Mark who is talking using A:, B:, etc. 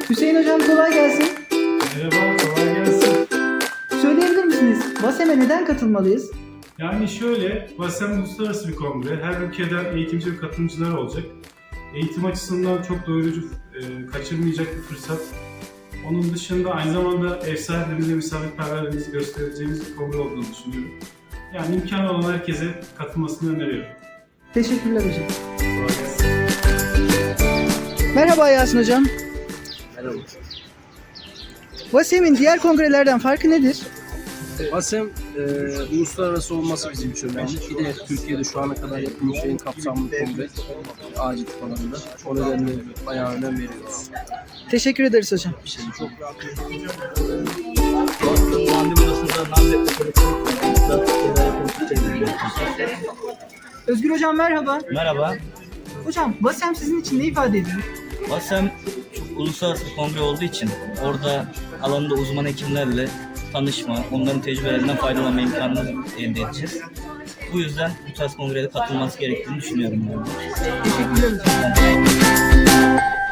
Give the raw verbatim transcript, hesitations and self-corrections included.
A: Hüseyin hocam kolay gelsin.
B: Merhaba, kolay gelsin.
A: Söyleyebilir misiniz? VASEM'e neden katılmalıyız?
B: Yani şöyle, VASEM uluslararası bir kongre. Her ülkeden eğitimci ve katılımcılar olacak. Eğitim açısından çok doyurucu, e, kaçırmayacak bir fırsat. Onun dışında aynı zamanda ev sahiplerimize misafirperverliğimizi göstereceğimiz bir kongre olduğunu düşünüyorum. Yani imkanı olan herkese katılmasını öneriyorum.
A: Teşekkürler hocam.
B: Kolay gelsin.
A: Merhaba Yasin hocam.
C: Merhaba.
A: VASEM'in diğer kongrelerden farkı nedir?
C: VASEM e, uluslararası olması bizim için önemli. Bir de Türkiye'de şu ana kadar yapılmış en kapsamlı kongre acil alanında. O nedenle bayağı önem veriyoruz.
A: Teşekkür ederiz hocam.
C: Bir şey çok
A: Özgür hocam merhaba.
D: Merhaba.
A: Hocam VASEM sizin için ne ifade ediyor?
D: VASEM çok uluslararası bir kongre olduğu için orada alanında uzman hekimlerle tanışma, onların tecrübelerinden faydalanma imkanını elde edeceğiz. Bu yüzden bu tarz kongreye katılması gerektiğini düşünüyorum. Yani.
A: Teşekkürler hocam.